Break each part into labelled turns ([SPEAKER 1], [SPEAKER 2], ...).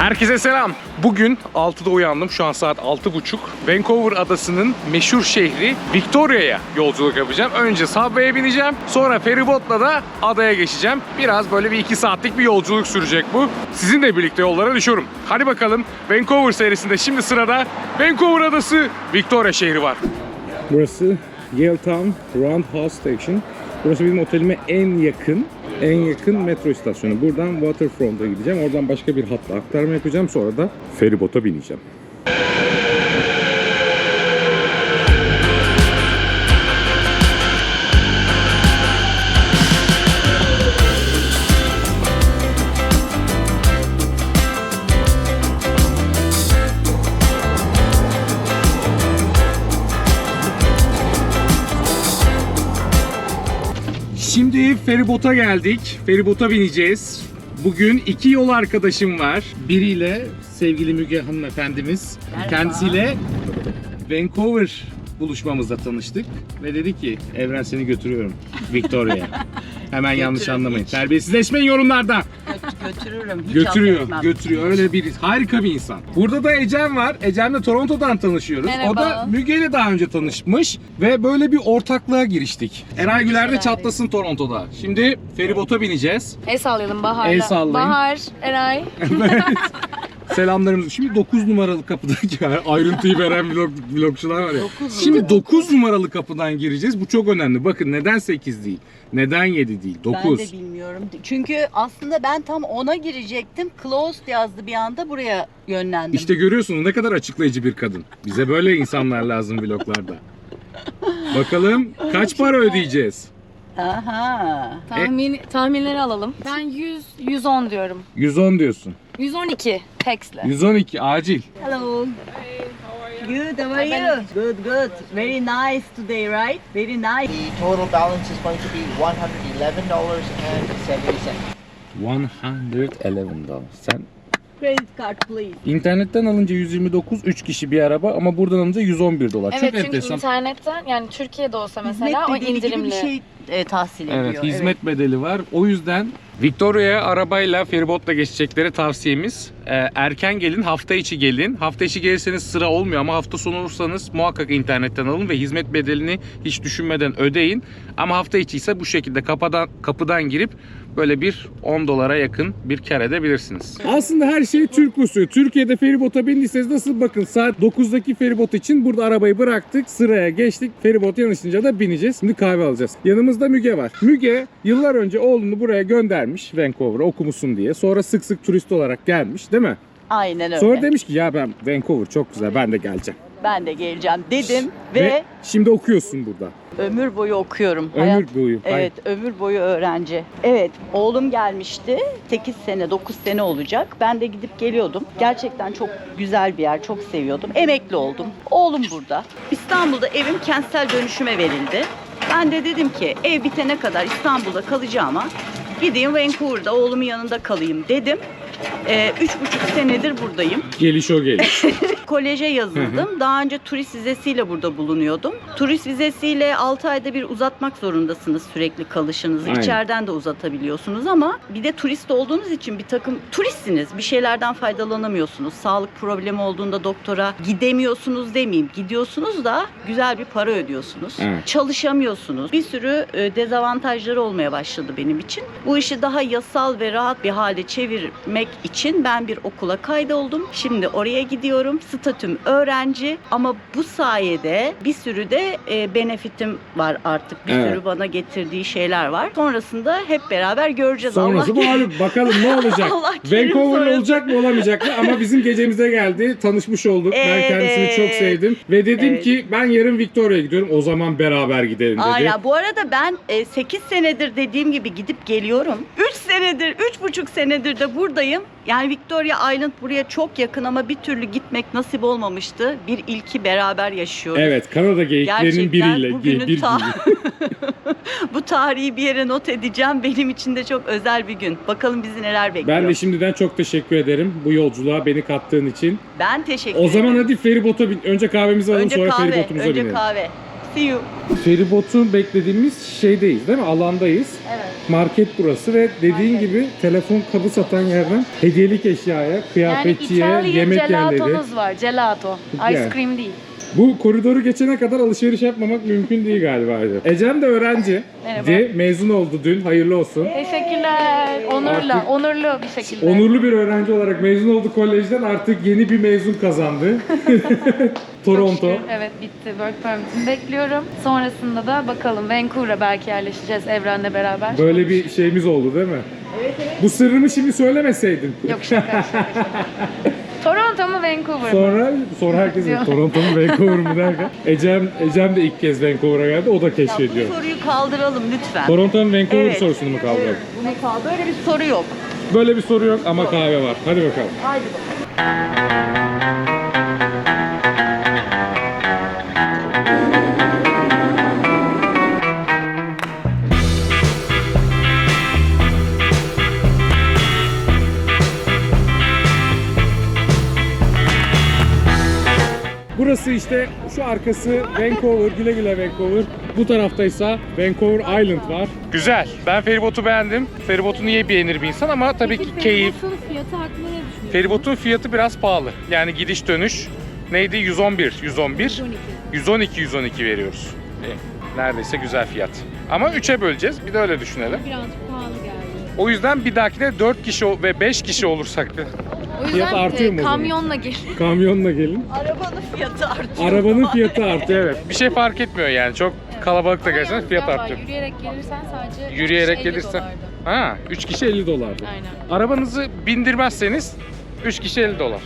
[SPEAKER 1] Herkese selam. Bugün 6'da uyandım. Şu an saat 6.30. Vancouver adasının meşhur şehri Victoria'ya yolculuk yapacağım. Önce Subway'e bineceğim. Sonra feribotla da adaya geçeceğim. Biraz böyle bir 2 saatlik bir yolculuk sürecek bu. Sizinle birlikte yollara düşüyorum. Hadi bakalım. Vancouver serisinde şimdi sırada Vancouver adası Victoria şehri var. Burası Yale Town Roundhouse Station. Burası benim otelime en yakın metro istasyonu. Buradan Waterfront'a gideceğim. Oradan başka bir hatla aktarma yapacağım. Sonra da feribota bineceğim. Şimdi feribota geldik. Feribota bineceğiz. Bugün iki yol arkadaşım var. Biriyle sevgili Müge hanımefendimiz.
[SPEAKER 2] Merhaba.
[SPEAKER 1] Kendisiyle Vancouver buluşmamızda tanıştık. Ve dedi ki Evren seni götürüyorum Victoria'ya. Hemen yanlış anlamayın.
[SPEAKER 2] Hiç.
[SPEAKER 1] Terbiyesizleşmeyin yorumlarda.
[SPEAKER 2] Götürürüm. Hiç
[SPEAKER 1] Götürüyor,
[SPEAKER 2] affetmem.
[SPEAKER 1] götürüyor. Öyle bir harika bir insan. Burada da Ecem var. Ecem'le Toronto'dan tanışıyoruz.
[SPEAKER 2] Merhaba.
[SPEAKER 1] O da Müge'yle daha önce tanışmış ve böyle bir ortaklığa giriştik. Eray Güler de çatlasın Toronto'da. Şimdi feribota bineceğiz.
[SPEAKER 3] El sallayalım Bahar'la.
[SPEAKER 1] El sallayın.
[SPEAKER 3] Bahar, Eray.
[SPEAKER 1] Evet. Selamlarımız. Şimdi 9 numaralı kapıdaki ayrıntıyı veren vlogçular var ya. Şimdi 9 numaralı kapıdan gireceğiz. Bu çok önemli. Bakın neden 8 değil? Neden 7 değil? 9.
[SPEAKER 2] Ben de bilmiyorum. Çünkü aslında ben tam 10'a girecektim. Closed yazdı bir anda, buraya yönlendim.
[SPEAKER 1] İşte görüyorsunuz ne kadar açıklayıcı bir kadın. Bize böyle insanlar lazım vloglarda. Bakalım kaç para ödeyeceğiz?
[SPEAKER 2] Aha.
[SPEAKER 3] Tahminleri alalım. Ben 110 diyorum.
[SPEAKER 1] 110 diyorsun.
[SPEAKER 3] 112 tekstle.
[SPEAKER 1] 112 acil.
[SPEAKER 2] Hello. Good, how are you? Good, good. Very nice today, right? Very nice.
[SPEAKER 4] The total balance is going to be $111.70.
[SPEAKER 1] $111. Sen
[SPEAKER 2] Credit card please.
[SPEAKER 1] internetten alınca 129, 3 kişi bir araba ama buradan alınca $111.
[SPEAKER 3] Evet
[SPEAKER 1] Çok
[SPEAKER 3] çünkü
[SPEAKER 1] enteresan.
[SPEAKER 3] internetten yani Türkiye'de olsa mesela o
[SPEAKER 2] Hizmet bedeli gibi
[SPEAKER 3] indirimli.
[SPEAKER 2] bir şey tahsil ediyor.
[SPEAKER 1] Evet, hizmet bedeli var. O yüzden Victoria'ya arabayla, feribotla geçecekleri tavsiyemiz erken gelin, hafta içi gelin. Hafta içi gelirseniz sıra olmuyor ama hafta sonu olursanız muhakkak internetten alın ve hizmet bedelini hiç düşünmeden ödeyin. Ama hafta içi ise bu şekilde kapıdan girip böyle bir $10'a yakın bir kar edebilirsiniz. Aslında her şey Türk usulü. Türkiye'de feribota bindiyseniz nasıl bakın saat 9'daki feribot için burada arabayı bıraktık, sıraya geçtik. Feribot yanaşınca da bineceğiz. Şimdi kahve alacağız. Yanımızda Müge var. Müge yıllar önce oğlunu buraya göndermiş Vancouver'a okumusun diye. Sonra sık sık turist olarak gelmiş değil mi?
[SPEAKER 2] Aynen öyle.
[SPEAKER 1] Sonra demiş ki ya ben Vancouver çok güzel ben de geleceğim.
[SPEAKER 2] Ben de geleceğim dedim ve
[SPEAKER 1] şimdi okuyorsun burada.
[SPEAKER 2] ömür boyu okuyorum.
[SPEAKER 1] Ömür boyu.
[SPEAKER 2] Evet, ömür boyu öğrenci. Evet, oğlum gelmişti. 8 sene, 9 sene olacak. Ben de gidip geliyordum. Gerçekten çok güzel bir yer, çok seviyordum. Emekli oldum. Oğlum burada. İstanbul'da evim kentsel dönüşüme verildi. Ben de dedim ki ev bitene kadar İstanbul'da kalacağıma gideyim Vancouver'da oğlumun yanında kalayım dedim. 3,5 senedir buradayım.
[SPEAKER 1] Geliş o geliş.
[SPEAKER 2] Koleje yazıldım. Daha önce turist vizesiyle burada bulunuyordum. Turist vizesiyle 6 ayda bir uzatmak zorundasınız sürekli kalışınızı.
[SPEAKER 1] Aynen.
[SPEAKER 2] İçeriden de uzatabiliyorsunuz ama bir de turist olduğunuz için bir takım turistsiniz. Bir şeylerden faydalanamıyorsunuz. Sağlık problemi olduğunda doktora gidemiyorsunuz demeyeyim. Gidiyorsunuz da güzel bir para ödüyorsunuz.
[SPEAKER 1] Evet.
[SPEAKER 2] Çalışamıyorsunuz. Bir sürü dezavantajları olmaya başladı benim için. Bu işi daha yasal ve rahat bir hale çevirmek için ben bir okula kaydoldum. Şimdi oraya gidiyorum. Statüm öğrenci ama bu sayede bir sürü de benefitim var artık. Bir sürü bana getirdiği şeyler var. Sonrasında hep beraber göreceğiz.
[SPEAKER 1] Sonrası
[SPEAKER 2] Allah
[SPEAKER 1] malum. Bakalım ne olacak.
[SPEAKER 2] Allah kerim
[SPEAKER 1] Vancouver
[SPEAKER 2] sonrası.
[SPEAKER 1] olacak mı olamayacak mı ama bizim gecemize geldi. Tanışmış olduk. Ben kendisini çok sevdim. Ve dedim ki ben yarın Victoria'ya gidiyorum. O zaman beraber gidelim dedi.
[SPEAKER 2] Aynen. Bu arada ben 8 senedir dediğim gibi gidip geliyorum. 3 senedir, 3,5 senedir de buradayım. Yani Victoria Island buraya çok yakın ama bir türlü gitmek nasip olmamıştı. Bir ilki beraber yaşıyoruz.
[SPEAKER 1] Evet, Kanada geyiklerinin biriyle.
[SPEAKER 2] Bugünün bu tarihi bir yere not edeceğim. Benim için de çok özel bir gün. Bakalım bizi neler bekliyor.
[SPEAKER 1] Ben de şimdiden çok teşekkür ederim bu yolculuğa beni kattığın için.
[SPEAKER 2] Ben teşekkür
[SPEAKER 1] O
[SPEAKER 2] ederim.
[SPEAKER 1] zaman hadi feribota bin. Önce kahvemizi alalım sonra feribotumuza binelim.
[SPEAKER 2] Önce kahve. See you.
[SPEAKER 1] Feribotu beklediğimiz şeydeyiz değil mi? Alandayız.
[SPEAKER 2] Evet.
[SPEAKER 1] market burası ve dediğin gibi telefon kabı satan yerden hediyelik eşyaya,
[SPEAKER 3] Yani
[SPEAKER 1] kıyafetçiye,
[SPEAKER 3] İtalyan
[SPEAKER 1] yemek yerleri.
[SPEAKER 3] gelatomuz var. Gelato.
[SPEAKER 1] Yani.
[SPEAKER 3] Ice cream değil.
[SPEAKER 1] Bu koridoru geçene kadar alışveriş yapmamak mümkün değil galiba. Ecem de öğrenci.
[SPEAKER 3] Merhaba.
[SPEAKER 1] Mezun oldu dün. Hayırlı olsun.
[SPEAKER 3] Teşekkürler. Onurla,
[SPEAKER 1] Artık-
[SPEAKER 3] onurlu bir şekilde.
[SPEAKER 1] Onurlu bir öğrenci olarak mezun oldu kolejden, artık yeni bir mezun kazandı. Toronto.
[SPEAKER 3] Çok şükür, evet bitti. Work permit'imi bekliyorum. Sonrasında da bakalım Vancouver'a belki yerleşeceğiz Evren'le beraber.
[SPEAKER 1] Böyle bir şeyimiz oldu değil mi? Evet. Bu sırrımı şimdi söylemeseydin.
[SPEAKER 3] Yok şaka. Toronto mu Vancouver mı?
[SPEAKER 1] Sonra herkes Toronto mu Vancouver mu derken Ecem de ilk kez Vancouver'a geldi, o da keşfediyor.
[SPEAKER 2] Bu soruyu kaldıralım lütfen.
[SPEAKER 1] Toronto mu Vancouver
[SPEAKER 2] Evet.
[SPEAKER 1] sorusunu mu kaldıralım?
[SPEAKER 2] Bunu kaldı. Böyle bir soru yok.
[SPEAKER 1] Böyle bir soru yok ama kahve var. Hadi bakalım.
[SPEAKER 2] Haydi bakalım.
[SPEAKER 1] Burası işte, şu arkası Vancouver, güle güle Vancouver. Bu taraftaysa Vancouver Island var. Güzel. Ben feribotu beğendim. Feribotu niye beğenir bir insan, ama tabii ki keyif.
[SPEAKER 3] Feribotun fiyatı hakkında ne düşünüyorsun?
[SPEAKER 1] Feribotun fiyatı biraz pahalı. Yani gidiş dönüş neydi? 111, 112 veriyoruz. Neredeyse güzel fiyat. Ama 3'e böleceğiz. Bir de öyle düşünelim.
[SPEAKER 3] Birazcık pahalı geldi.
[SPEAKER 1] O yüzden bir dahakine 4 kişi ve 5 kişi olursak
[SPEAKER 3] O
[SPEAKER 1] fiyat artıyor mu o zaman?
[SPEAKER 3] kamyonla gel.
[SPEAKER 1] kamyonla gelin.
[SPEAKER 2] Arabanın fiyatı artıyor.
[SPEAKER 1] Arabanın fiyatı artıyor, evet. Bir şey fark etmiyor yani. Çok kalabalık da gelseniz fiyat artıyor.
[SPEAKER 3] Yürüyerek gelirsen sadece
[SPEAKER 1] Yürüyerek
[SPEAKER 3] 50
[SPEAKER 1] gelirsen.
[SPEAKER 3] dolardı.
[SPEAKER 1] Ha, 3 kişi 50 dolardı.
[SPEAKER 3] Aynen.
[SPEAKER 1] Arabanızı bindirmezseniz 3 kişi 50 dolar.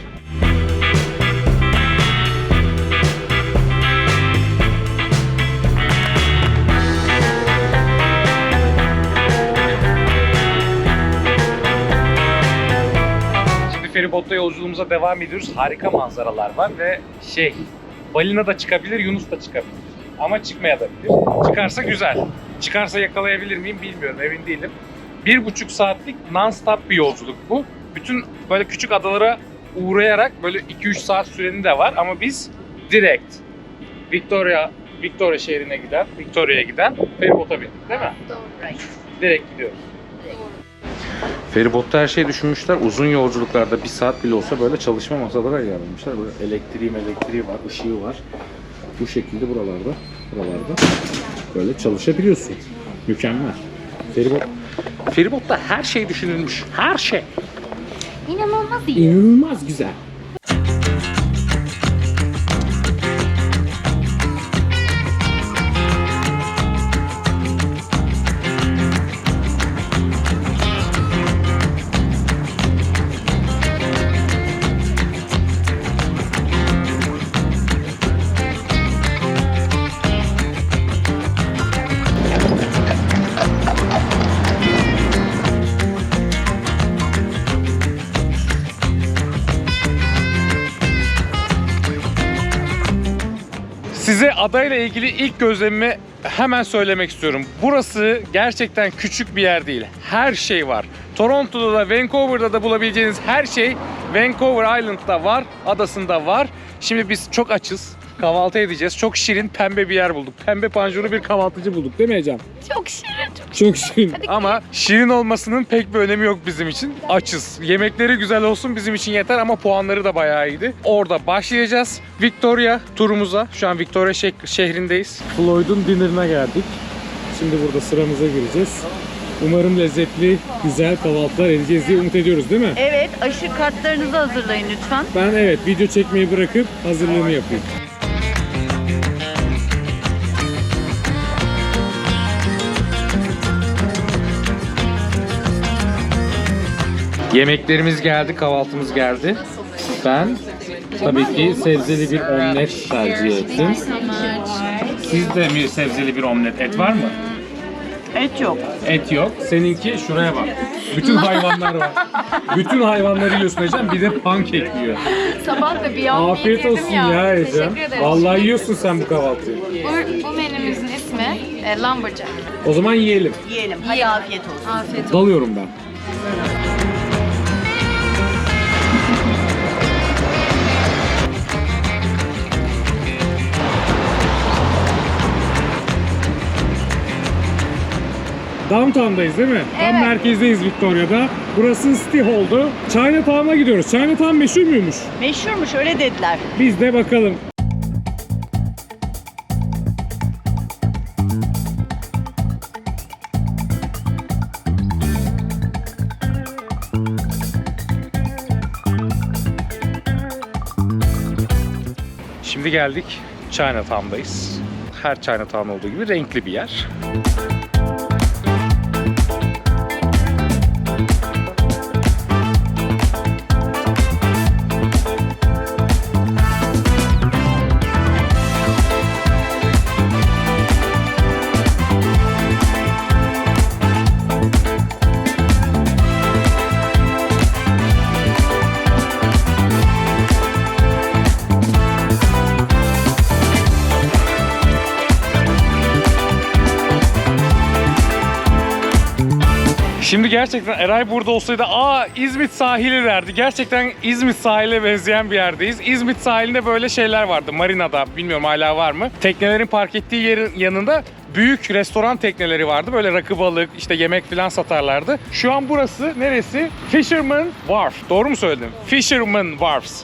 [SPEAKER 1] Şimdi feribotla yolculuğumuza devam ediyoruz. Harika manzaralar var ve balina da çıkabilir, Yunus da çıkabilir. Ama çıkmayabilir. Çıkarsa güzel. Çıkarsa yakalayabilir miyim bilmiyorum, emin değilim. 1,5 saatlik non-stop bir yolculuk bu. Bütün böyle küçük adalara uğrayarak böyle 2-3 saat süreni de var, ama biz direkt Victoria şehrine giden, Victoria'ya giden feribota bindik değil mi? Direkt gidiyoruz. Feribotta her şeyi düşünmüşler. Uzun yolculuklarda 1 saat bile olsa böyle çalışma masaları ayarlamışlar. Böyle elektriği var, ışığı var. Bu şekilde buralarda böyle çalışabiliyorsun. Mükemmel. Feribotta her şey düşünülmüş. Her şey.
[SPEAKER 3] İnanılmaz iyi.
[SPEAKER 1] İnanılmaz güzel. Size adayla ilgili ilk gözlemimi hemen söylemek istiyorum. Burası gerçekten küçük bir yer değil. Her şey var. Toronto'da da Vancouver'da da bulabileceğiniz her şey Vancouver Island'da var, adasında var. Şimdi biz çok açız. Kahvaltı edeceğiz. Çok şirin, pembe bir yer bulduk. Pembe panjurlu bir kahvaltıcı bulduk değil mi Ecem?
[SPEAKER 3] Çok şirin.
[SPEAKER 1] Çok şirin. Ama şirin olmasının pek bir önemi yok bizim için. Açız. Yemekleri güzel olsun bizim için yeter, ama puanları da bayağı iyiydi. Orada başlayacağız. Victoria turumuza. Şu an Victoria şehrindeyiz. Floyd'un dinner'ına geldik. Şimdi burada sıramıza gireceğiz. Umarım lezzetli, güzel kahvaltılar edeceğiz diye umut ediyoruz değil mi?
[SPEAKER 2] Evet, aşı kartlarınızı hazırlayın lütfen.
[SPEAKER 1] Ben video çekmeyi bırakıp hazırlığımı yapayım. Yemeklerimiz geldi, kahvaltımız geldi. Ben tabii ki sebzeli bir omlet tercih ettim. Siz de mi sebzeli bir omlet? Et var mı?
[SPEAKER 2] Et yok.
[SPEAKER 1] Et yok. Seninki şuraya bak. Bütün hayvanlar var. Bütün hayvanları yiyorsun Ecem. Bir de pankek yiyor.
[SPEAKER 3] Sabah da Beyond Meat
[SPEAKER 1] Afiyet
[SPEAKER 3] yedim
[SPEAKER 1] olsun
[SPEAKER 3] ya.
[SPEAKER 1] ya Ecem.
[SPEAKER 3] Teşekkür ederim.
[SPEAKER 1] Vallahi yiyorsun sen bu kahvaltıyı.
[SPEAKER 3] Bu menümüzün ismi Lumberjack.
[SPEAKER 1] O zaman yiyelim.
[SPEAKER 2] Yiyelim. Hadi afiyet olsun.
[SPEAKER 3] Afiyet olsun.
[SPEAKER 1] Dalıyorum ben. Downtown'dayız değil mi? Tam
[SPEAKER 3] Evet.
[SPEAKER 1] merkezdeyiz Victoria'da. Burası City Hall'du. Chinatown'a gidiyoruz. Chinatown meşhur muymuş?
[SPEAKER 2] Meşhurmuş öyle dediler.
[SPEAKER 1] Biz de bakalım. Şimdi geldik Chinatown'dayız. Her Chinatown olduğu gibi renkli bir yer. Şimdi gerçekten Eray burada olsaydı İzmit sahili derdi. Gerçekten İzmit sahiline benzeyen bir yerdeyiz. İzmit sahilinde böyle şeyler vardı. Marina'da, bilmiyorum hala var mı? Teknelerin park ettiği yerin yanında büyük restoran tekneleri vardı. Böyle rakı balık, işte yemek falan satarlardı. Şu an burası neresi? Fisherman Wharf. Doğru mu söyledim? Fisherman Wharfs.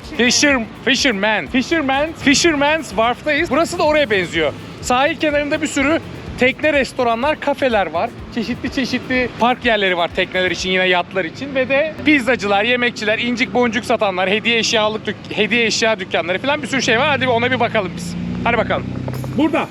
[SPEAKER 1] Fisherman's Wharf'tayız. Burası da oraya benziyor. Sahil kenarında bir sürü tekne restoranlar, kafeler var. Çeşitli park yerleri var tekneler için, yine yatlar için ve de pizzacılar, yemekçiler, incik boncuk satanlar, hediye eşya dükkanları falan bir sürü şey var. Hadi ona bir bakalım biz. Hadi bakalım. Burada.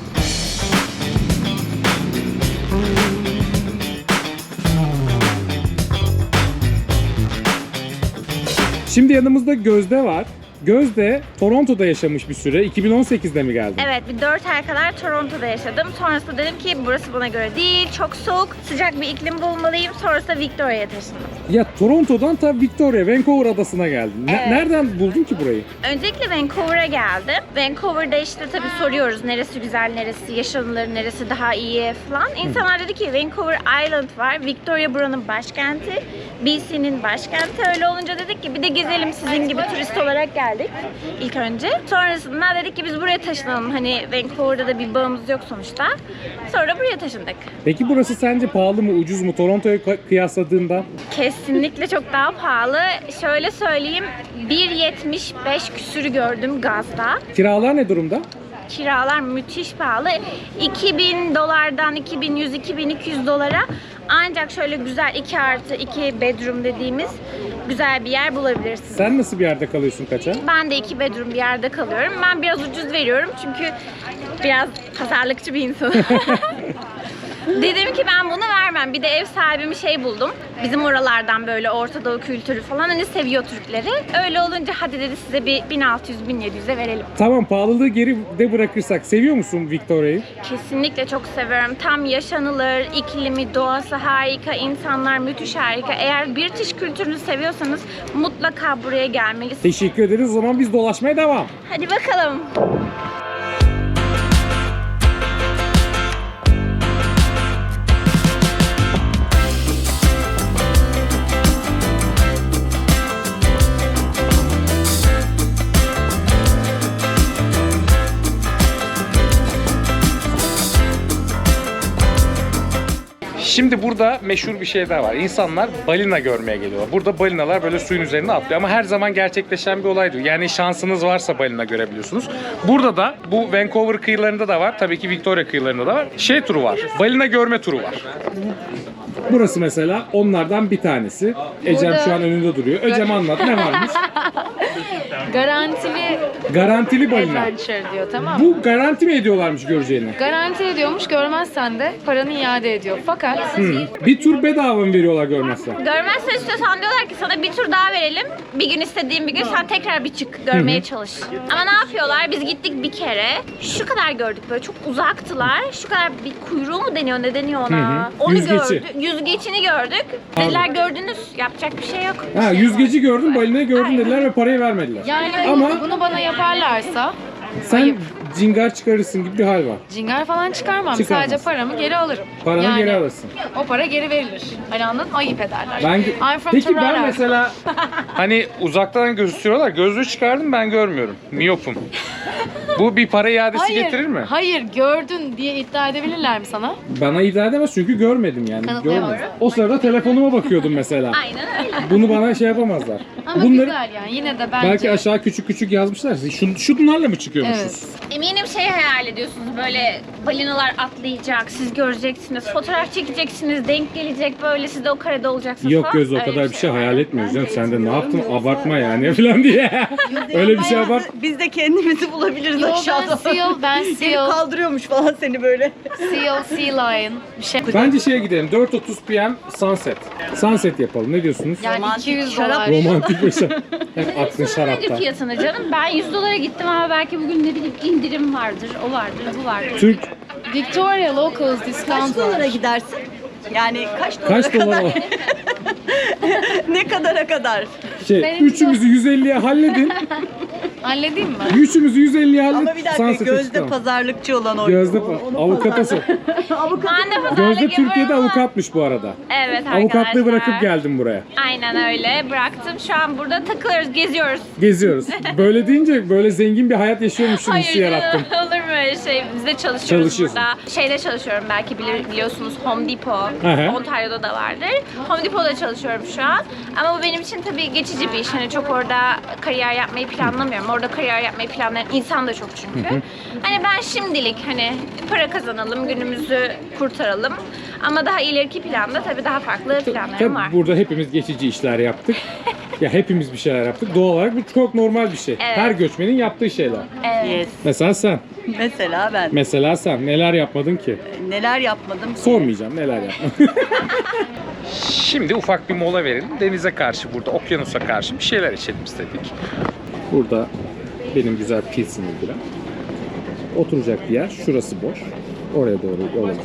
[SPEAKER 1] Şimdi yanımızda Gözde var. Gözde Toronto'da yaşamış bir süre. 2018'de mi geldin?
[SPEAKER 5] Evet, bir 4 ay kadar Toronto'da yaşadım. Sonrasında dedim ki burası bana göre değil, çok soğuk, sıcak bir iklim bulmalıyım. Sonrasında Victoria'ya taşındım.
[SPEAKER 1] Ya Toronto'dan ta Victoria, Vancouver adasına geldin.
[SPEAKER 5] Evet.
[SPEAKER 1] Nereden buldun ki burayı?
[SPEAKER 5] Öncelikle Vancouver'a geldim. Vancouver'da işte tabii soruyoruz neresi güzel, neresi yaşanılır, neresi daha iyi falan. İnsanlar dedi ki Vancouver Island var, Victoria buranın başkenti, BC'nin başkenti. Öyle olunca dedik ki bir de gezelim sizin gibi turist olarak geldik ilk önce. Sonrasında dedik ki biz buraya taşınalım. Hani Vancouver'da da bir bağımız yok sonuçta. Sonra buraya taşındık.
[SPEAKER 1] Peki burası sence pahalı mı, ucuz mu Toronto'ya kıyasladığında?
[SPEAKER 5] Kesinlikle çok daha pahalı. Şöyle söyleyeyim, 1.75 küsürü gördüm gazda.
[SPEAKER 1] Kiralar ne durumda?
[SPEAKER 5] Kiralar müthiş pahalı. 2000 dolardan 2100-2200 dolara ancak şöyle güzel 2+2 bedroom dediğimiz güzel bir yer bulabilirsiniz.
[SPEAKER 1] Sen nasıl bir yerde kalıyorsun kaça?
[SPEAKER 5] Ben de 2 bedroom bir yerde kalıyorum. Ben biraz ucuz veriyorum çünkü biraz pazarlıkçı bir insanım. Dedim ki ben bunu vermem. Bir de ev sahibimi buldum. Bizim oralardan böyle Orta Doğu kültürü falan hani seviyor Türkleri. Öyle olunca hadi dedi size bir 1600-1700'e verelim.
[SPEAKER 1] Tamam, pahalılığı geride bırakırsak seviyor musun Victoria'yı?
[SPEAKER 5] Kesinlikle çok seviyorum. Tam yaşanılır, iklimi, doğası harika, insanlar müthiş harika. Eğer British kültürünü seviyorsanız mutlaka buraya gelmelisiniz.
[SPEAKER 1] Teşekkür ederiz. O zaman biz dolaşmaya devam.
[SPEAKER 5] Hadi bakalım.
[SPEAKER 1] Şimdi burada meşhur bir şey daha var. İnsanlar balina görmeye geliyorlar. Burada balinalar böyle suyun üzerine atlıyor ama her zaman gerçekleşen bir olay değil. Yani şansınız varsa balina görebiliyorsunuz. Burada da bu Vancouver kıyılarında da var. Tabii ki Victoria kıyılarında da var. Turu var. Balina görme turu var. Burası mesela onlardan bir tanesi. Ecem şu an önünde duruyor. Ecem anlat, ne varmış?
[SPEAKER 3] Garantili
[SPEAKER 1] balina.
[SPEAKER 3] adventure diyor, tamam mı?
[SPEAKER 1] Bu garanti mi ediyorlarmış göreceğini?
[SPEAKER 3] Garanti ediyormuş, görmezsen de paranı iade ediyor. Fakat
[SPEAKER 1] Bir tur bedava mı veriyorlar görmezsen?
[SPEAKER 5] Görmezsen istiyorsan diyorlar ki sana bir tur daha verelim. Bir gün istediğin bir gün sen tekrar bir çık görmeye çalış. Ama ne yapıyorlar? Biz gittik bir kere. Şu kadar gördük böyle çok uzaktılar. Şu kadar bir kuyruğu mu deniyor ne deniyor ona? Onu
[SPEAKER 1] Yüzgeci.
[SPEAKER 5] gördük. Yüzgeçini gördük. Dediler gördünüz. Yapacak bir şey yok.
[SPEAKER 1] Ha, yüzgeci gördün, balinayı gördün dediler ve parayı vermediler.
[SPEAKER 3] yani
[SPEAKER 1] Ama
[SPEAKER 3] bunu bana yaparlarsa
[SPEAKER 1] sen cingar çıkarırsın gibi bir hal var.
[SPEAKER 3] cingar falan çıkarmam.
[SPEAKER 1] Çıkarmaz.
[SPEAKER 3] Sadece paramı geri alırım.
[SPEAKER 1] Paranı geri alırsın.
[SPEAKER 3] O para geri verilir. Hani anladın mı? Ayıp ederler. I'm from
[SPEAKER 1] Peki ben
[SPEAKER 3] Toronto.
[SPEAKER 1] mesela hani uzaktan gözüküyorlar, gözlüğü çıkardım ben görmüyorum. Miyopum. Bu bir para iadesi getirir mi?
[SPEAKER 3] Hayır, gördün diye iddia edebilirler mi sana?
[SPEAKER 1] Bana iddia edemez çünkü görmedim yani.
[SPEAKER 3] Kanıtlayamaz.
[SPEAKER 1] O sırada telefonuma bakıyordum mesela.
[SPEAKER 5] Aynen öyle.
[SPEAKER 1] Bunu bana şey yapamazlar.
[SPEAKER 3] Ama güzel yani yine de bence.
[SPEAKER 1] belki aşağı küçük küçük yazmışlar. Şunlarla mı çıkıyormuşuz?
[SPEAKER 3] Evet.
[SPEAKER 5] Eminim şey hayal ediyorsunuz, böyle balinalar atlayacak, siz göreceksiniz, fotoğraf çekeceksiniz, denk gelecek, böyle siz de o karede olacaksınız
[SPEAKER 1] Yok
[SPEAKER 5] falan.
[SPEAKER 1] göz o
[SPEAKER 5] Öyle
[SPEAKER 1] kadar bir şey
[SPEAKER 5] var.
[SPEAKER 1] hayal etmiyoruz canım. Sen de ne yaptın? Abartma yani falan diye. Öyle bir şey abart.
[SPEAKER 2] Biz de kendimizi bulabiliriz
[SPEAKER 3] Yo,
[SPEAKER 2] aşağıda.
[SPEAKER 3] ben
[SPEAKER 2] Seni
[SPEAKER 3] seal,
[SPEAKER 2] kaldırıyormuş falan seni böyle.
[SPEAKER 3] sea lion bir şey.
[SPEAKER 1] Bence şeye gidelim. 4:30 PM sunset. Sunset yapalım. Ne diyorsunuz?
[SPEAKER 3] Yani
[SPEAKER 2] Romantik
[SPEAKER 3] 200
[SPEAKER 2] şarap.
[SPEAKER 3] dolar.
[SPEAKER 1] Romantik bir şey. Hep aklın
[SPEAKER 5] Nedir
[SPEAKER 1] şarapta.
[SPEAKER 5] fiyatını canım? Ben 100 dolara gittim ama belki bugün ne bileyim indirim vardır, o vardır, bu vardır.
[SPEAKER 1] Türk
[SPEAKER 3] Victoria Locals
[SPEAKER 2] Kaç
[SPEAKER 3] discount
[SPEAKER 2] dolara
[SPEAKER 3] var.
[SPEAKER 2] gidersin? Yani kaç dolara
[SPEAKER 1] kaç dolar
[SPEAKER 2] kadar?
[SPEAKER 1] o?
[SPEAKER 2] Ne kadara kadar?
[SPEAKER 3] Benim
[SPEAKER 1] Üçümüzü 150'ye halledin.
[SPEAKER 3] Halledeyim mi?
[SPEAKER 1] Üçümüzü 150'ye halledin.
[SPEAKER 2] Ama bir dakika
[SPEAKER 1] Sunset'e
[SPEAKER 2] gözde
[SPEAKER 1] çıkalım.
[SPEAKER 2] pazarlıkçı olan o.
[SPEAKER 1] Gözde
[SPEAKER 2] Onu
[SPEAKER 1] avukatası.
[SPEAKER 5] Ben de pazarlık
[SPEAKER 1] Gözde Türkiye'de
[SPEAKER 5] yapıyorum ama-
[SPEAKER 1] avukatmış bu arada.
[SPEAKER 5] Evet arkadaşlar.
[SPEAKER 1] Avukatlığı bırakıp geldim buraya.
[SPEAKER 5] Aynen öyle. Bıraktım. Şu an burada takılıyoruz, geziyoruz.
[SPEAKER 1] Geziyoruz. Böyle deyince böyle zengin bir hayat yaşıyormuşsun hissi yarattım.
[SPEAKER 5] Olur mu öyle şey? Biz de çalışıyoruz
[SPEAKER 1] Çalışıyorsun.
[SPEAKER 5] burada. Şeyde çalışıyorum, belki biliyorsunuz, Home Depot.
[SPEAKER 1] Aha.
[SPEAKER 5] Ontario'da da vardır. Home Depot'da çalışıyorum şu an. Ama bu benim için tabii geçici bir iş. Hani çok orada kariyer yapmayı planlamıyorum. Orada kariyer yapmayı planlayan insan da çok çünkü. Hani ben şimdilik hani para kazanalım, günümüzü kurtaralım. Ama daha ileriki planda tabii daha farklı planlarım
[SPEAKER 1] Tabii
[SPEAKER 5] var.
[SPEAKER 1] burada hepimiz geçici işler yaptık. Ya hepimiz bir şeyler yaptık. Doğal olarak bu çok normal bir şey.
[SPEAKER 5] Evet.
[SPEAKER 1] Her göçmenin yaptığı şeyler.
[SPEAKER 5] Evet.
[SPEAKER 2] Yes.
[SPEAKER 1] Mesela sen.
[SPEAKER 2] Mesela ben
[SPEAKER 1] Sen neler yapmadın ki?
[SPEAKER 2] neler yapmadım ki?
[SPEAKER 1] Sormayacağım neler yapmadın. Şimdi ufak bir mola verelim. Denize karşı burada, okyanusa karşı bir şeyler içelim istedik. Burada benim güzel pilsini bilen. Oturacak bir yer. Şurası boş. Oraya doğru yolumuzu.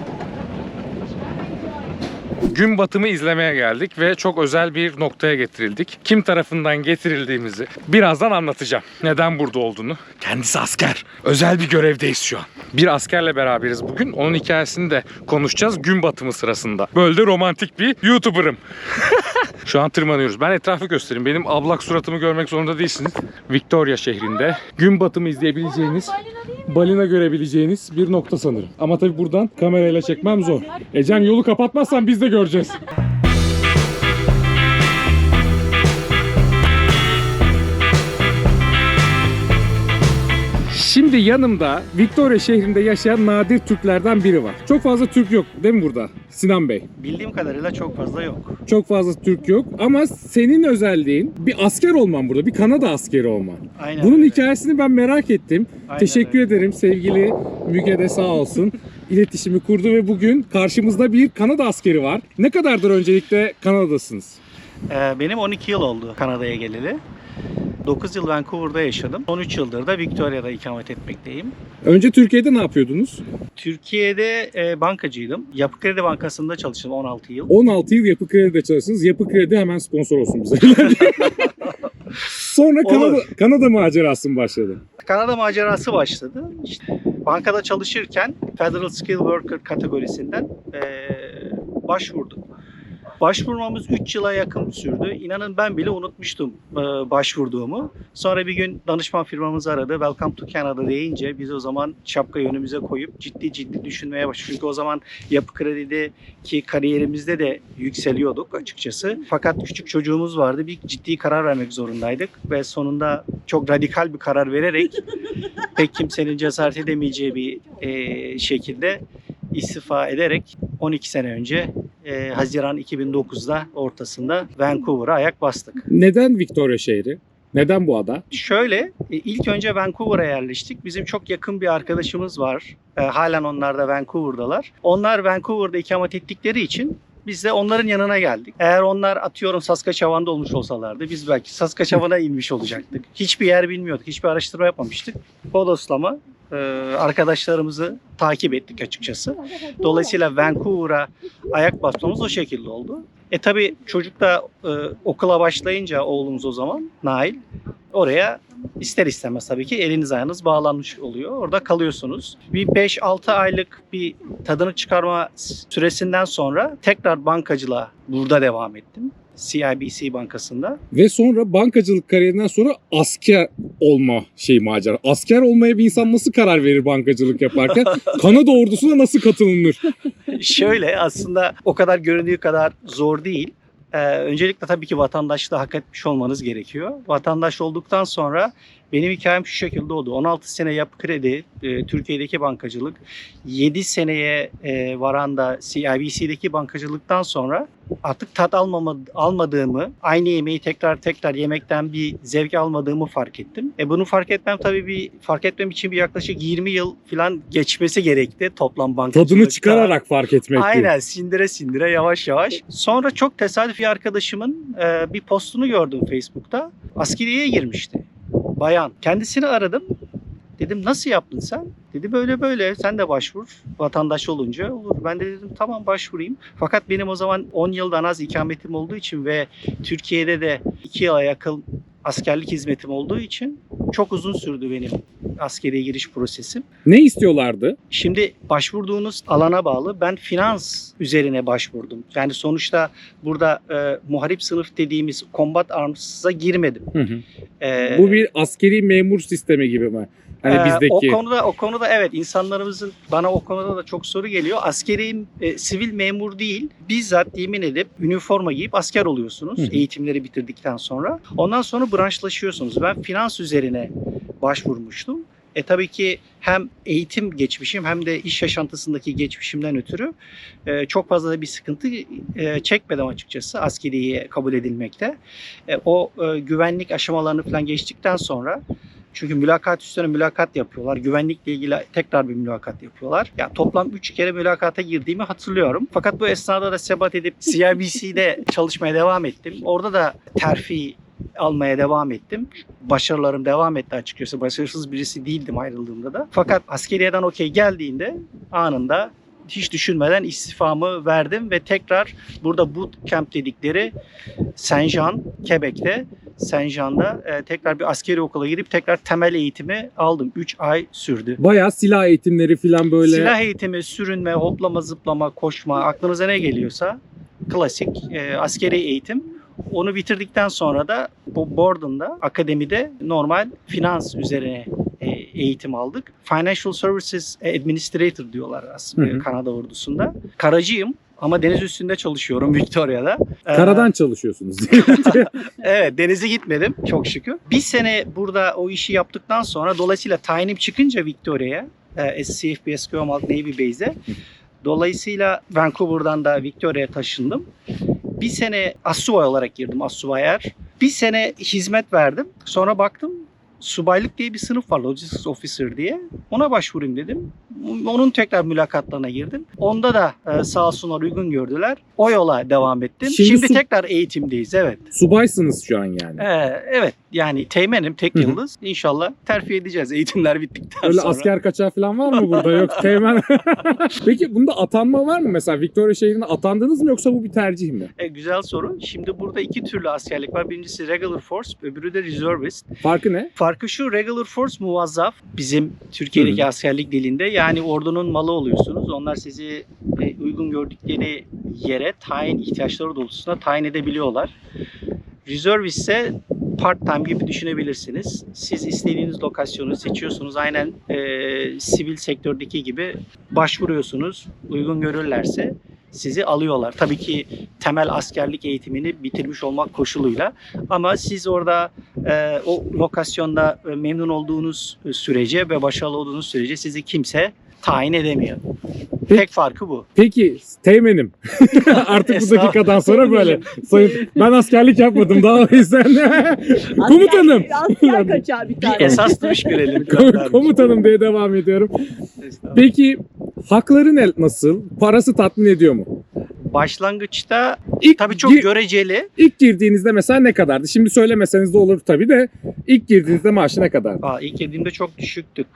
[SPEAKER 1] Gün batımı izlemeye geldik ve çok özel bir noktaya getirildik. Kim tarafından getirildiğimizi birazdan anlatacağım. Neden burada olduğunu. Kendisi asker. Özel bir görevdeyiz şu an. Bir askerle beraberiz bugün. Onun hikayesini de konuşacağız gün batımı sırasında. Böyle de romantik bir YouTuber'ım. Şu an tırmanıyoruz. Ben etrafı göstereyim. Benim ablak suratımı görmek zorunda değilsiniz. Victoria şehrinde gün batımı izleyebileceğiniz, balina görebileceğiniz bir nokta sanırım. Ama tabii buradan kamerayla çekmem zor. Ecem yolu kapatmazsan biz de göreceğiz. Şimdi yanımda Victoria şehrinde yaşayan nadir Türklerden biri var. Çok fazla Türk yok değil mi burada Sinan Bey?
[SPEAKER 6] Bildiğim kadarıyla çok fazla yok.
[SPEAKER 1] Çok fazla Türk yok ama senin özelliğin bir asker olman burada, bir Kanada askeri olman.
[SPEAKER 6] Aynen
[SPEAKER 1] Bunun
[SPEAKER 6] öyle.
[SPEAKER 1] hikayesini ben merak ettim.
[SPEAKER 6] Aynen
[SPEAKER 1] Teşekkür
[SPEAKER 6] öyle.
[SPEAKER 1] ederim sevgili Müge de sağ olsun. İletişimi kurdu ve bugün karşımızda bir Kanada askeri var. Ne kadardır öncelikle Kanada'dasınız?
[SPEAKER 6] Benim 12 yıl oldu Kanada'ya geleli. 9 yıl Vancouver'da yaşadım. Son 3 yıldır da Victoria'da ikamet etmekteyim.
[SPEAKER 1] Önce Türkiye'de ne yapıyordunuz?
[SPEAKER 6] Türkiye'de bankacıydım. Yapı Kredi Bankası'nda çalıştım 16 yıl.
[SPEAKER 1] 16 yıl Yapı Kredi'de çalıştınız. Yapı Kredi hemen sponsor olsun bize. Sonra
[SPEAKER 6] Olur.
[SPEAKER 1] Kanada macerası mı başladı?
[SPEAKER 6] Kanada macerası başladı. İşte bankada çalışırken Federal Skilled Worker kategorisinden başvurdum. Başvurmamız 3 yıla yakın sürdü. İnanın ben bile unutmuştum başvurduğumu. Sonra bir gün danışman firmamız aradı. Welcome to Canada deyince biz o zaman şapkayı önümüze koyup ciddi düşünmeye başladık. Çünkü o zaman Yapı Kredi'deki kariyerimizde de yükseliyorduk açıkçası. Fakat küçük çocuğumuz vardı. Bir ciddi karar vermek zorundaydık. Ve sonunda çok radikal bir karar vererek pek kimsenin cesaret edemeyeceği bir şekilde istifa ederek 12 sene önce Haziran 2009'da ortasında Vancouver'a ayak bastık.
[SPEAKER 1] Neden Victoria şehri? Neden bu ada?
[SPEAKER 6] Şöyle, ilk önce Vancouver'a yerleştik. Bizim çok yakın bir arkadaşımız var. Halen onlar da Vancouver'dalar. Onlar Vancouver'da ikamet ettikleri için biz de onların yanına geldik. Eğer onlar atıyorum Saskatchewan'da olmuş olsalardı biz belki Saskatchewan'a inmiş olacaktık. Hiçbir yer bilmiyorduk, hiçbir araştırma yapmamıştık. Bodoslama arkadaşlarımızı takip ettik açıkçası. Dolayısıyla Vancouver'a ayak basmamız o şekilde oldu. Tabii çocuk da okula başlayınca oğlumuz o zaman Nail oraya ister istemez tabii ki eliniz ayağınız bağlanmış oluyor. Orada kalıyorsunuz. Bir 5-6 aylık bir tadını çıkarma süresinden sonra tekrar bankacılığa burada devam ettim. CIBC Bankası'nda.
[SPEAKER 1] Ve sonra bankacılık kariyerinden sonra asker olma macera. Asker olmaya bir insan nasıl karar verir bankacılık yaparken? Kanada ordusuna nasıl katılınır?
[SPEAKER 6] Şöyle, aslında o kadar göründüğü kadar zor değil. Öncelikle tabii ki vatandaşlığı hak etmiş olmanız gerekiyor. Vatandaş olduktan sonra benim hikayem şu şekilde oldu. 16 sene Yapı Kredi, Türkiye'deki bankacılık, 7 seneye varan da CIBC'deki bankacılıktan sonra artık tat almadığımı, aynı yemeği tekrar yemekten bir zevk almadığımı fark ettim. Bunu fark etmem için bir yaklaşık 20 yıl falan geçmesi gerekti toplam bankacılıkta.
[SPEAKER 1] Tadını çıkararak fark etmek.
[SPEAKER 6] Aynen, sindire yavaş yavaş. Sonra çok tesadüf bir arkadaşımın bir postunu gördüm Facebook'ta. Askeriyeye girmişti. Bayan. Kendisini aradım. Dedim nasıl yaptın sen? Dedi böyle sen de başvur. Vatandaş olunca olur. Ben de dedim tamam başvurayım. Fakat benim o zaman 10 yıldan az ikametim olduğu için ve Türkiye'de de 2 yıla yakın askerlik hizmetim olduğu için çok uzun sürdü benim askeriye giriş prosesim.
[SPEAKER 1] Ne istiyorlardı?
[SPEAKER 6] Şimdi başvurduğunuz alana bağlı. Ben finans üzerine başvurdum. Yani sonuçta burada muharip sınıf dediğimiz combat arms'a girmedim.
[SPEAKER 1] Bu bir askeri memur sistemi gibi mi? Hani bizdeki.
[SPEAKER 6] O konuda evet, insanlarımızın bana o konuda da çok soru geliyor. Askeri sivil memur değil. Bizzat yemin edip üniforma giyip asker oluyorsunuz eğitimleri bitirdikten sonra. Ondan sonra branşlaşıyorsunuz. Ben finans üzerine başvurmuştum. Tabii ki hem eğitim geçmişim hem de iş yaşantısındaki geçmişimden ötürü çok fazla da bir sıkıntı çekmedim açıkçası askeriye kabul edilmekte. O güvenlik aşamalarını falan geçtikten sonra, çünkü mülakat üstüne mülakat yapıyorlar. Güvenlikle ilgili tekrar bir mülakat yapıyorlar. Yani toplam 3 kere mülakata girdiğimi hatırlıyorum. Fakat bu esnada da sebat edip CIBC'de çalışmaya devam ettim. Orada da terfi almaya devam ettim. Başarılarım devam etti açıkçası. Başarısız birisi değildim ayrıldığımda da. Fakat askeriyeden okey geldiğinde anında hiç düşünmeden istifamı verdim ve tekrar burada bootcamp dedikleri Saint-Jean, Quebec'te Saint-Jean'da tekrar bir askeri okula girip tekrar temel eğitimi aldım. 3 ay sürdü.
[SPEAKER 1] Bayağı silah eğitimleri falan böyle.
[SPEAKER 6] Silah eğitimi, sürünme, hoplama, zıplama, koşma, aklınıza ne geliyorsa klasik askeri eğitim. Onu bitirdikten sonra da Borden'da, akademide normal finans üzerine eğitim aldık. Financial Services Administrator diyorlar aslında Kanada ordusunda. Karacıyım ama deniz üstünde çalışıyorum Victoria'da.
[SPEAKER 1] Karadan çalışıyorsunuz.
[SPEAKER 6] Evet, denize gitmedim çok şükür. Bir sene burada o işi yaptıktan sonra dolayısıyla tayinim çıkınca Victoria'ya, CFB Esquimalt Navy Base'e, dolayısıyla Vancouver'dan da Victoria'ya taşındım. Bir sene assubay olarak girdim, assubayer. Bir sene hizmet verdim. Sonra baktım subaylık diye bir sınıf var, Logistics Officer diye. Ona başvurayım dedim. Onun tekrar mülakatlarına girdim. Onda da sağ olsunlar uygun gördüler. O yola devam ettim. Şimdi tekrar eğitimdeyiz, evet.
[SPEAKER 1] Subaysınız şu an yani.
[SPEAKER 6] Evet, yani teğmenim, tek yıldız. İnşallah terfi edeceğiz eğitimler bittikten
[SPEAKER 1] Öyle
[SPEAKER 6] sonra.
[SPEAKER 1] asker kaçağı falan var mı burada? Yok, teğmen. Peki bunda atanma var mı? Mesela Victoria şehrine atandınız mı yoksa bu bir tercih mi?
[SPEAKER 6] Güzel soru. Şimdi burada 2 türlü askerlik var. Birincisi Regular Force, öbürü de Reservist.
[SPEAKER 1] Farkı ne?
[SPEAKER 6] Farkı şu: Regular Force muvazzaf. Bizim Türkiye'deki askerlik dilinde, yani ordunun malı oluyorsunuz. Onlar sizi uygun gördükleri yere tayin ihtiyaçları doğrultusunda tayin edebiliyorlar. Reservist ise part-time gibi düşünebilirsiniz. Siz istediğiniz lokasyonu seçiyorsunuz. Aynen sivil sektördeki gibi başvuruyorsunuz. Uygun görürlerse sizi alıyorlar. Tabii ki temel askerlik eğitimini bitirmiş olmak koşuluyla. Ama siz orada o lokasyonda memnun olduğunuz sürece ve başarılı olduğunuz sürece sizi kimse tayin edemiyor. Tek farkı bu.
[SPEAKER 1] Peki teğmenim. Artık bu dakikadan sonra böyle. Ben askerlik yapmadım daha o yüzden. Komutanım.
[SPEAKER 2] Asker kaçağı bir tane.
[SPEAKER 6] Esas duruş görelim.
[SPEAKER 1] Komutanım diye devam ediyorum. Peki hakları nasıl? Parası tatmin ediyor mu?
[SPEAKER 6] Başlangıçta
[SPEAKER 1] İlk
[SPEAKER 6] tabii çok göreceli.
[SPEAKER 1] İlk girdiğinizde mesela ne kadardı? Şimdi söylemeseniz de olur tabii de ilk girdiğinizde maaşı ne kadardı?
[SPEAKER 6] İlk girdiğimde çok düşüktü.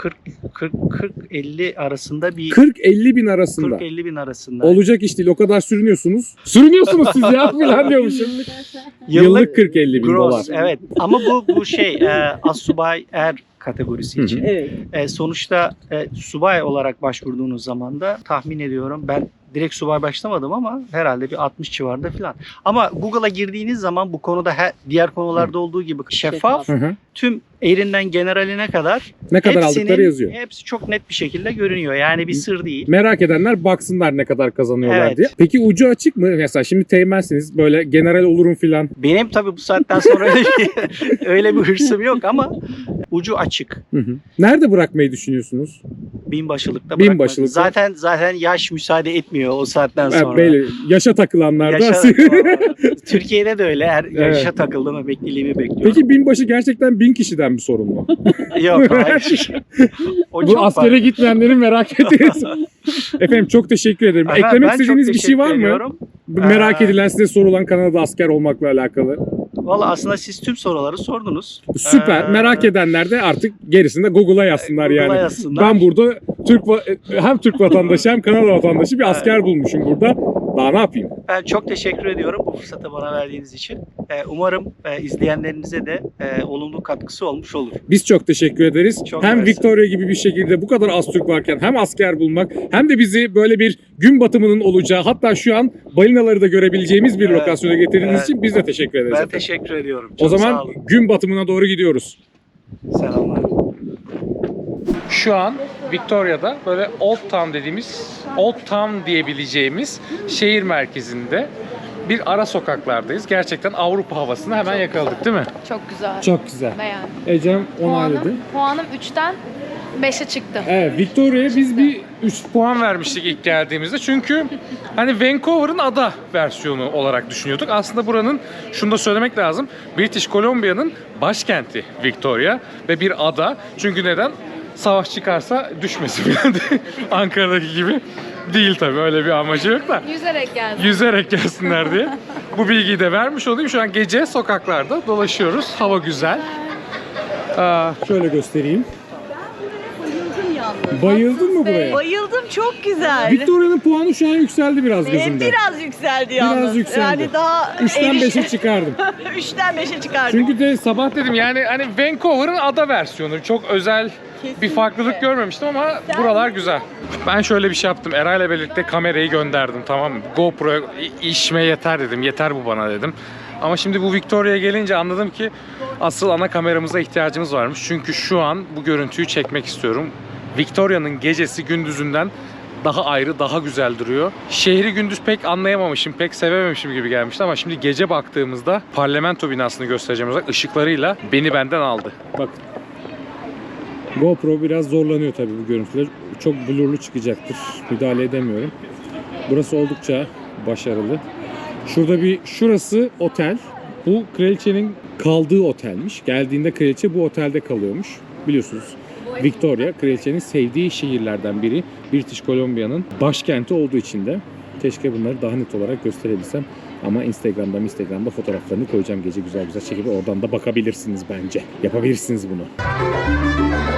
[SPEAKER 6] 40-50 arasında bir
[SPEAKER 1] 40-50 bin arasında.
[SPEAKER 6] 40-50 bin arasında.
[SPEAKER 1] Olacak iş değil. O kadar sürünüyorsunuz. Sürünüyorsunuz siz ya falan diyormuşum. Yıllık 40-50 bin dolar.
[SPEAKER 6] Evet. Ama bu assubay kategorisi için.
[SPEAKER 2] Evet.
[SPEAKER 6] Sonuçta subay olarak başvurduğunuz zaman da tahmin ediyorum ben direkt subay başlamadım ama herhalde bir 60 civarında falan. Ama Google'a girdiğiniz zaman bu konuda diğer konularda olduğu gibi şeffaf,
[SPEAKER 1] Hı hı.
[SPEAKER 6] tüm erinden generaline kadar
[SPEAKER 1] Ne kadar
[SPEAKER 6] hepsinin-
[SPEAKER 1] aldıkları yazıyor.
[SPEAKER 6] Hepsi çok net bir şekilde görünüyor. Yani bir sır değil.
[SPEAKER 1] Merak edenler baksınlar ne kadar kazanıyorlar
[SPEAKER 6] Evet.
[SPEAKER 1] diye. Peki ucu açık mı? Mesela şimdi teğmensiniz böyle general olurum filan.
[SPEAKER 6] Benim tabii bu saatten sonra öyle bir hırsım yok ama ucu açık.
[SPEAKER 1] Hı hı. Nerede bırakmayı düşünüyorsunuz?
[SPEAKER 6] Binbaşılıkta
[SPEAKER 1] Binbaşılıkta.
[SPEAKER 6] bırakmadım. Zaten yaş müsaade etmiyor o saatten
[SPEAKER 1] Ha,
[SPEAKER 6] sonra.
[SPEAKER 1] böyle yaşa takılanlar da.
[SPEAKER 6] Yaşa, Türkiye'de de öyle. Her yaşa takıldım, emekliliğimi bekliyorum.
[SPEAKER 1] Peki binbaşı gerçekten 1000 kişiden mi sorumlu?
[SPEAKER 6] Yok, hayır. O
[SPEAKER 1] Bu
[SPEAKER 6] çok
[SPEAKER 1] askere
[SPEAKER 6] var.
[SPEAKER 1] gitmeyenlerin merak ettiğiniz. Efendim çok teşekkür ederim.
[SPEAKER 6] Efendim,
[SPEAKER 1] Eklemek
[SPEAKER 6] ben çok
[SPEAKER 1] istediğiniz bir şey var
[SPEAKER 6] teşekkür
[SPEAKER 1] mı?
[SPEAKER 6] ediyorum.
[SPEAKER 1] Merak edilen, size sorulan Kanada'da asker olmakla alakalı.
[SPEAKER 6] Valla aslında siz tüm soruları sordunuz.
[SPEAKER 1] Süper. Merak edenler de artık gerisini de Google'a yazsınlar
[SPEAKER 6] Google'a
[SPEAKER 1] yani.
[SPEAKER 6] yazsınlar.
[SPEAKER 1] Ben burada hem Türk vatandaşı hem Kanada vatandaşı bir asker bulmuşum burada. Daha ne yapayım?
[SPEAKER 6] Ben çok teşekkür ediyorum bu fırsatı bana verdiğiniz için. Umarım izleyenlerinize de olumlu katkısı olmuş olur.
[SPEAKER 1] Biz çok teşekkür ederiz.
[SPEAKER 6] Çok
[SPEAKER 1] hem
[SPEAKER 6] mersi.
[SPEAKER 1] Victoria gibi bir şekilde bu kadar az Türk varken hem asker bulmak hem de bizi böyle bir gün batımının olacağı, hatta şu an balinaları da görebileceğimiz bir
[SPEAKER 6] Evet.
[SPEAKER 1] lokasyona getirdiğiniz
[SPEAKER 6] Evet.
[SPEAKER 1] için biz de teşekkür ederiz.
[SPEAKER 6] Ben
[SPEAKER 1] efendim.
[SPEAKER 6] teşekkür ediyorum.
[SPEAKER 1] O
[SPEAKER 6] Çok
[SPEAKER 1] zaman
[SPEAKER 6] sağ olun.
[SPEAKER 1] gün batımına doğru gidiyoruz.
[SPEAKER 6] Selamlar.
[SPEAKER 1] Şu an Victoria'da böyle Old Town dediğimiz, Old Town diyebileceğimiz şehir merkezinde bir ara sokaklardayız. Gerçekten Avrupa havasını hemen yakaladık değil mi?
[SPEAKER 3] Çok güzel.
[SPEAKER 1] Çok güzel.
[SPEAKER 3] Beğendim.
[SPEAKER 1] Ecem onayladı.
[SPEAKER 3] Puanım 3'ten 5'e çıktı.
[SPEAKER 1] Evet, Victoria'ya biz bir 3 puan vermiştik ilk geldiğimizde. Çünkü hani Vancouver'ın ada versiyonu olarak düşünüyorduk. Aslında buranın, şunu da söylemek lazım, British Columbia'nın başkenti Victoria ve bir ada. Çünkü neden? Savaş çıkarsa düşmesin yani. Ankara'daki gibi değil tabii, öyle bir amacı yok da.
[SPEAKER 3] Yüzerek geldim.
[SPEAKER 1] Yüzerek gelsinler diye. Bu bilgiyi de vermiş olayım. Şu an gece sokaklarda dolaşıyoruz. Hava güzel. Şöyle göstereyim.
[SPEAKER 2] Bayıldım yalnız.
[SPEAKER 1] Bayıldın mı buraya?
[SPEAKER 2] Bayıldım, çok güzel.
[SPEAKER 1] Victoria'nın puanı şu an yükseldi biraz gözümde.
[SPEAKER 2] Biraz yükseldi yalnız.
[SPEAKER 1] Biraz yükseldi.
[SPEAKER 2] Yani daha
[SPEAKER 1] 3'ten 5'e çıkardım.
[SPEAKER 2] 3'ten 5'e çıkardım.
[SPEAKER 1] Çünkü de sabah dedim yani hani Vancouver'ın ada versiyonu. Çok özel bir farklılık görmemiştim ama buralar güzel. Ben şöyle bir şey yaptım. Eray'la birlikte kamerayı gönderdim, tamam mı? GoPro işime yeter dedim. Yeter bu bana dedim. Ama şimdi bu Victoria'ya gelince anladım ki asıl ana kameramıza ihtiyacımız varmış. Çünkü şu an bu görüntüyü çekmek istiyorum. Victoria'nın gecesi gündüzünden daha ayrı, daha güzel duruyor. Şehri gündüz pek anlayamamışım, pek sevememişim gibi gelmişti ama şimdi gece baktığımızda parlamento binasını göstereceğim olarak ışıklarıyla beni benden aldı. Bak. GoPro biraz zorlanıyor tabii bu görüntüler. Çok blurlu çıkacaktır. Müdahale edemiyorum. Burası oldukça başarılı. Şurası otel. Bu kraliçenin kaldığı otelmiş. Geldiğinde kraliçe bu otelde kalıyormuş. Biliyorsunuz Victoria kraliçenin sevdiği şehirlerden biri. British Columbia'nın başkenti olduğu için de keşke bunları daha net olarak gösterebilsem. Ama Instagram'da fotoğraflarını koyacağım, gece güzel güzel çekip oradan da bakabilirsiniz bence. Yapabilirsiniz bunu.